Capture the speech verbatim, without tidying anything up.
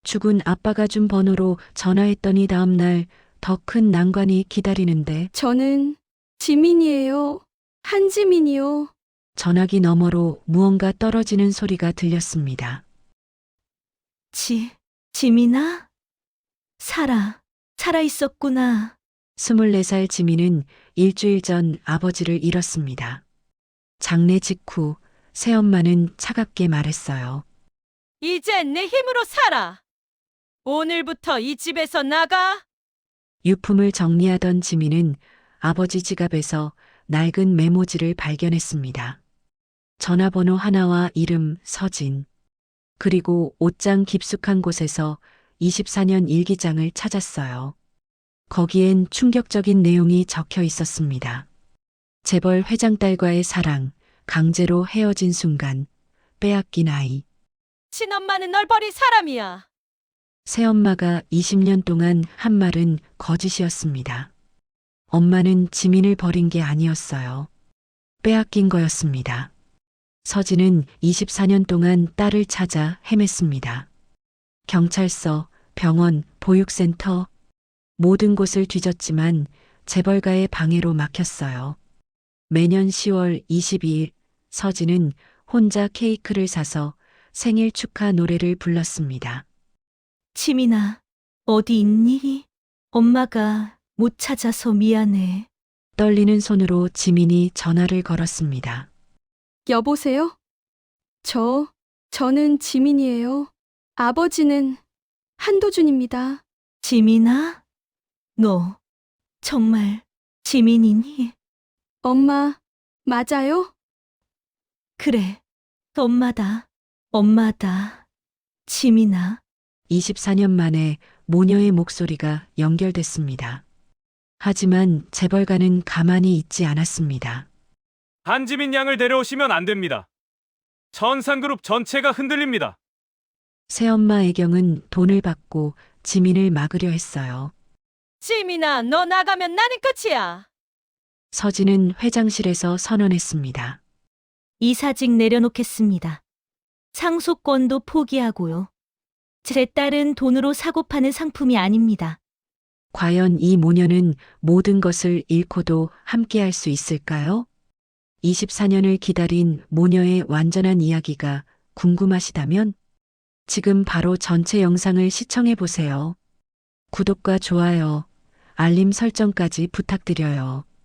죽은 아빠가 준 번호로 전화했더니 다음날 더 큰 난관이 기다리는데 저는 지민이에요. 한지민이요. 전화기 너머로 무언가 떨어지는 소리가 들렸습니다. 지, 지민아? 살아, 살아 있었구나. 스물네 살 지민은 일주일 전 아버지를 잃었습니다. 장례 직후 새엄마는 차갑게 말했어요. 이제 내 힘으로 살아. 오늘부터 이 집에서 나가. 유품을 정리하던 지민은 아버지 지갑에서 낡은 메모지를 발견했습니다. 전화번호 하나와 이름 서진, 그리고 옷장 깊숙한 곳에서 이십사 년 일기장을 찾았어요. 거기엔 충격적인 내용이 적혀 있었습니다. 재벌 회장 딸과의 사랑, 강제로 헤어진 순간, 빼앗긴 아이. 친엄마는 널 버린 사람이야. 새엄마가 이십 년 동안 한 말은 거짓이었습니다. 엄마는 지민을 버린 게 아니었어요. 빼앗긴 거였습니다. 서진은 이십사 년 동안 딸을 찾아 헤맸습니다. 경찰서, 병원, 보육센터, 모든 곳을 뒤졌지만 재벌가의 방해로 막혔어요. 매년 시월 이십이일 서진은 혼자 케이크를 사서 생일 축하 노래를 불렀습니다. 지민아, 어디 있니? 엄마가 못 찾아서 미안해. 떨리는 손으로 지민이 전화를 걸었습니다. 여보세요? 저, 저는 지민이에요. 아버지는 한도준입니다. 지민아? 너, 정말 지민이니? 엄마, 맞아요? 그래, 엄마다, 엄마다. 지민아, 이십사 년 만에 모녀의 목소리가 연결됐습니다. 하지만 재벌가는 가만히 있지 않았습니다. 한지민 양을 데려오시면 안 됩니다. 전산그룹 전체가 흔들립니다. 새엄마 애경은 돈을 받고 지민을 막으려 했어요. 지민아, 너 나가면 나는 끝이야. 서진은 회장실에서 선언했습니다. 이사직 내려놓겠습니다. 상속권도 포기하고요. 제 딸은 돈으로 사고 파는 상품이 아닙니다. 과연 이 모녀는 모든 것을 잃고도 함께할 수 있을까요? 이십사 년을 기다린 모녀의 완전한 이야기가 궁금하시다면 지금 바로 전체 영상을 시청해 보세요. 구독과 좋아요, 알림 설정까지 부탁드려요.